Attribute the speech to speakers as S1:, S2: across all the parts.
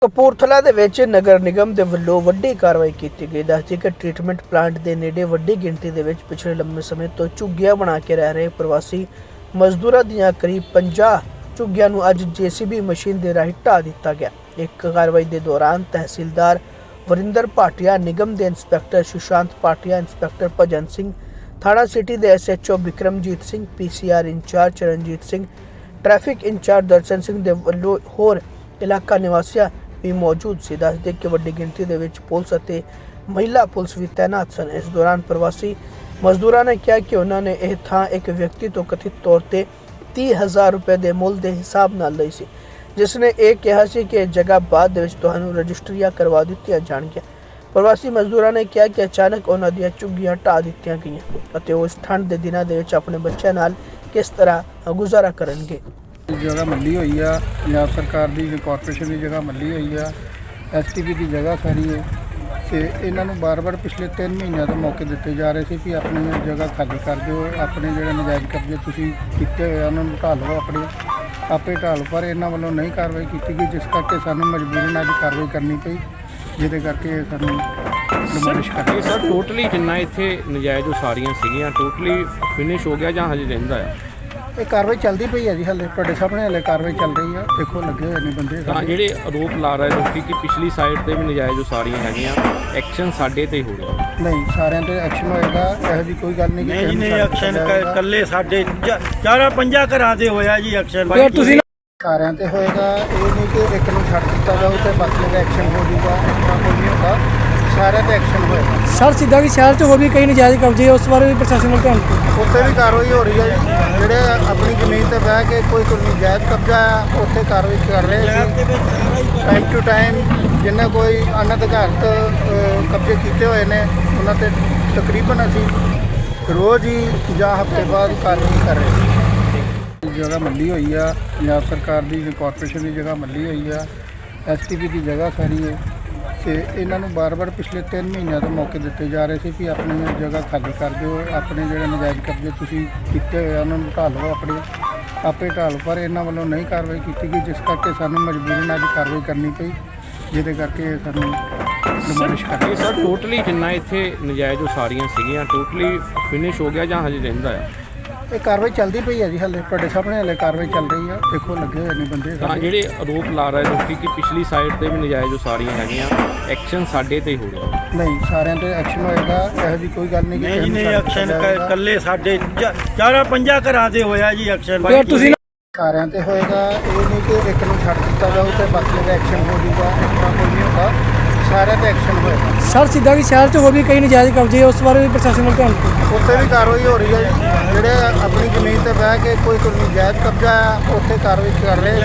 S1: ਕਪੂਰਥਲਾ ਦੇ ਵਿੱਚ ਨਗਰ ਨਿਗਮ ਦੇ ਵੱਲੋਂ ਵੱਡੀ ਕਾਰਵਾਈ ਕੀਤੀ ਗਈ। ਦੱਸਦੀ ਕਿ ਟ੍ਰੀਟਮੈਂਟ ਪਲਾਂਟ ਦੇ ਨੇੜੇ ਵੱਡੀ ਗਿਣਤੀ ਦੇ ਵਿੱਚ ਪਿਛਲੇ ਲੰਬੇ ਸਮੇਂ ਤੋਂ ਝੁੱਗੀਆਂ ਬਣਾ ਕੇ ਰਹਿ ਰਹੇ ਪ੍ਰਵਾਸੀ ਮਜ਼ਦੂਰਾਂ ਦੀਆਂ ਕਰੀਬ 50 ਝੁੱਗੀਆਂ ਨੂੰ ਅੱਜ ਜੀਸੀਬੀ ਮਸ਼ੀਨ ਦੇ ਰਾਹੀਂ ਢਾਹ ਦਿੱਤਾ ਗਿਆ। ਇੱਕ ਕਾਰਵਾਈ ਦੇ ਦੌਰਾਨ ਤਹਿਸੀਲਦਾਰ ਵਰਿੰਦਰ ਭਾਟੀਆ, ਨਿਗਮ ਦੇ ਇੰਸਪੈਕਟਰ ਸੁਸ਼ਾਂਤ ਭਾਟੀਆ, ਇੰਸਪੈਕਟਰ ਭਜਨ ਸਿੰਘ, ਥਾਣਾ ਸਿਟੀ ਦੇ SHO Bikramjit Singh, PCR incharge Charanjit Singh, traffic incharge Darshan Singh ਦੇ ਵੱਲੋਂ ਹੋਰ ਇਲਾਕਾ ਨਿਵਾਸੀਆਂ भी मौजूद सी। दसदे कि वड्डी गिनती दे विच पुलिस अते महिला पुलिस भी तैनात सन। इस दौरान प्रवासी मजदूरों ने कहा कि उन्होंने यह थां एक व्यक्ति तो कथित तौर पर 30,000 रुपए के मुल के हिसाब नाल लई सी, जिसने यह कहा सी कि जगह बाद दे विच तुहानूं रजिस्ट्रियां करवा दित्तियां जाणगीआं। प्रवासी मजदूरों ने कहा कि अचानक उन्हां दीआं झुग्गियां ढाह दित्तियां गईआं अते उस ठंड के दिनों दे विच अपने बच्चों नाल किस तरह गुजारा करनगे।
S2: जगह मल्ली हुई है, पंजाब सरकार की कॉरपोरेशन की जगह मल्ली हुई है, STP की जगह सारी है। तो इन्हों बार बार पिछले 3 महीनों तो मौके दिते जा रहे थे कि अपनी जगह खाली कर दो, अपने जो नजायज़ कब्जे तुसीं कीते हुए उन्होंने ढा लो, अपने आपे ढा लो। पर इन्हों वालों नहीं कार्रवाई की गई, जिस करके सानूं मजबूरन अज कार्रवाई करनी पई, जिहदे करके सानूं डिमोलिश करनी।
S3: सर टोटली जिन्ना इत्थे नजायज़ उसारियां सीगियां टोटली फिनिश हो गया जां हजे रहिंदा है?
S2: ये कार्रवाई चलती पई है जी, हले तुहाडे सामने हले कार्रवाई चल रही है। देखो लगे हुए ने बंदे
S3: ਤਾਂ ਜਿਹੜੇ ਆਰੋਪ ਲਾ ਰਹੇ ਲੋਕੀ ਕਿ ਪਿਛਲੀ ਸਾਈਡ ਤੇ ਵੀ ਨਜਾਇਜ਼ ਉਸਾਰੀਆਂ ਹੈਗੀਆਂ, ਐਕਸ਼ਨ ਸਾਡੇ ਤੇ ਹੀ ਹੋ ਰਿਹਾ।
S2: नहीं सारिਆਂ ਤੇ ਐਕਸ਼ਨ ਹੋਏਗਾ, ਇਹੋ ਜੀ ਕੋਈ ਗੱਲ ਨਹੀਂ ਕਿ
S4: ਨਹੀਂ ਨਹੀਂ ਐਕਸ਼ਨ ਇਕੱਲੇ ਸਾਡੇ 4-5 ਘਰਾਂ ਦੇ ਹੋਇਆ ਜੀ ਐਕਸ਼ਨ।
S2: ਤੁਸੀਂ ਸਾਰਿਆਂ ਤੇ ਹੋਏਗਾ, ਇਹ ਨਹੀਂ ਕਿ ਇੱਕ ਨੂੰ ਛੱਡ ਦਿੱਤਾ ਜਾਊ ਤੇ ਬਾਕੀ ਦਾ ਐਕਸ਼ਨ ਹੋ ਜਾਊਗਾ। ਇਸ ਤਰ੍ਹਾਂ ਕੋਈ ਨਹੀਂ ਹੁੰਦਾ, ਸਾਰਿਆਂ ਤੇ ਐਕਸ਼ਨ ਹੋਏਗਾ।
S5: सर सीधा कि शहर च होर भी कई नजायज़ कब्जे उस बारे भी प्रशासन को ध्यान
S2: ਉੱਥੇ ਵੀ ਕਾਰਵਾਈ ਹੋ ਰਹੀ ਹੈ ਜੀ। ਜਿਹੜੇ ਆਪਣੀ ਜ਼ਮੀਨ ਤੇ ਬਹਿ ਕੇ ਕੋਈ ਨਜਾਇਜ਼ ਕਬਜ਼ਾ ਆ ਉੱਥੇ ਕਾਰਵਾਈ ਕਰ ਰਹੇ ਸੀ। ਟਾਈਮ ਟੂ ਟਾਈਮ ਜਿਨ੍ਹਾਂ ਕੋਈ ਅਨਅਧਿਕਾਰਤ ਕਬਜ਼ੇ ਕੀਤੇ ਹੋਏ ਨੇ ਉਹਨਾਂ ਤੇ ਤਕਰੀਬਨ ਅਸੀਂ ਰੋਜ਼ ਹੀ ਜਾਂ ਹਫ਼ਤੇ ਬਾਅਦ ਕਾਰਵਾਈ ਕਰ ਰਹੇ ਹਾਂ। ਜਗ੍ਹਾ ਮੱਲੀ ਹੋਈ ਆ, ਪੰਜਾਬ ਸਰਕਾਰ ਦੀ ਕਾਰਪੋਰੇਸ਼ਨ ਦੀ ਜਗ੍ਹਾ ਮੱਲੀ ਹੋਈ ਆ, STP ਦੀ ਜਗ੍ਹਾ ਸਾਰੀ ਹੈ। ਤੇ ਇਹਨਾਂ ਨੂੰ ਬਾਰ-ਬਾਰ ਪਿਛਲੇ 3 ਮਹੀਨਿਆਂ ਤੋਂ ਮੌਕੇ ਦਿੱਤੇ ਜਾ ਰਹੇ ਸੀ ਕਿ ਆਪਣੀ ਜਗ੍ਹਾ ਖਾਲੀ ਕਰ ਦਿਓ, ਆਪਣੇ ਜਿਹੜੇ ਨਜਾਇਜ਼ ਕਬਜ਼ੇ ਤੁਸੀਂ ਕੀਤੇ ਹੋਏ ਉਹਨਾਂ ਨੂੰ ਢਾ ਲਓ, ਆਪਣੇ ਆਪੇ ਢਾ ਲਓ। ਪਰ ਇਹਨਾਂ ਵੱਲੋਂ ਨਹੀਂ ਕਾਰਵਾਈ ਕੀਤੀ ਗਈ, ਜਿਸ ਕਰਕੇ ਸਾਨੂੰ ਮਜਬੂਰਨ ਅੱਜ ਕਾਰਵਾਈ ਕਰਨੀ ਪਈ, ਜਿਹਦੇ ਕਰਕੇ ਸਾਨੂੰ ਡਿਮੋਲਿਸ਼ ਕਰਨੀ।
S3: ਸਰ ਟੋਟਲੀ ਜਿੰਨਾ ਇੱਥੇ ਨਜਾਇਜ਼ ਉਸਾਰੀਆਂ ਸੀਗੀਆਂ ਟੋਟਲੀ ਫਿਨਿਸ਼ ਹੋ ਗਿਆ ਜਾਂ ਹਜੇ ਰਹਿੰਦਾ ਆ?
S2: ਇਹ ਕਾਰਵਾਈ ਚੱਲਦੀ ਪਈ ਹੈ ਜੀ, ਹਲੇ ਤੁਹਾਡੇ ਸਾਹਮਣੇ ਹਲੇ ਕਾਰਵਾਈ ਚੱਲ ਰਹੀ ਆ। ਦੇਖੋ ਲੱਗੇ ਹੋਏ ਨੇ ਬੰਦੇ
S3: ਤਾਂ ਜਿਹੜੇ ਆਰੋਪ ਲਾ ਰਹੇ ਲੋਕੀ ਕਿ ਪਿਛਲੀ ਸਾਈਡ ਤੇ ਵੀ ਨਜਾਇਜ਼ ਉਸਾਰੀਆਂ ਹੈਗੀਆਂ, ਐਕਸ਼ਨ ਸਾਡੇ ਤੇ ਹੀ ਹੋ ਰਿਹਾ।
S2: ਨਹੀਂ ਸਾਰਿਆਂ ਤੇ ਐਕਸ਼ਨ ਹੋਏਗਾ, ਇਹੋ ਜੀ ਕੋਈ ਗੱਲ ਨਹੀਂ ਕਿ
S4: ਨਹੀਂ ਨਹੀਂ ਐਕਸ਼ਨ ਇਕੱਲੇ ਸਾਡੇ 4-5 ਘਰਾਂ ਦੇ ਹੋਇਆ ਜੀ ਐਕਸ਼ਨ।
S5: ਤੁਸੀਂ
S2: ਸਾਰਿਆਂ ਤੇ ਹੋਏਗਾ, ਇਹ ਨਹੀਂ ਕਿ ਇੱਕ ਨੂੰ ਛੱਡ ਦਿੱਤਾ ਜਾਊ ਤੇ ਬਾਕੀ ਦਾ ਐਕਸ਼ਨ ਹੋ ਜਾਊਗਾ। ਇਸ ਤਰ੍ਹਾਂ ਕੋਈ ਨਹੀਂ ਹੁੰਦਾ, ਸਾਰਿਆਂ ਤੇ ਐਕਸ਼ਨ ਹੋਏਗਾ।
S5: सर सीधा कि शहर च होर भी कई नजायज़ कब्जे उस बारे भी प्रशासन को ध्यान
S2: ਉੱਥੇ ਵੀ ਕਾਰਵਾਈ ਹੋ ਰਹੀ ਹੈ ਜੀ। ਜਿਹੜੇ ਆਪਣੀ ਜ਼ਮੀਨ ਤੇ ਬਹਿ ਕੇ ਕੋਈ ਨਜਾਇਜ਼ ਕਬਜ਼ਾ ਆ ਉੱਥੇ ਕਾਰਵਾਈ ਕਰ ਰਹੇ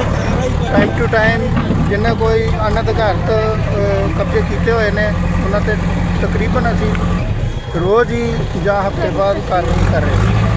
S2: ਸੀ। ਟਾਈਮ ਟੂ ਟਾਈਮ ਜਿਨ੍ਹਾਂ ਕੋਈ ਅਨਅਧਿਕਾਰਤ ਕਬਜ਼ੇ ਕੀਤੇ ਹੋਏ ਨੇ ਉਹਨਾਂ ਤੇ ਤਕਰੀਬਨ ਅਸੀਂ ਰੋਜ਼ ਹੀ ਜਾਂ ਹਫ਼ਤੇ ਬਾਅਦ ਕਾਰਵਾਈ ਕਰ ਰਹੇ ਹਾਂ।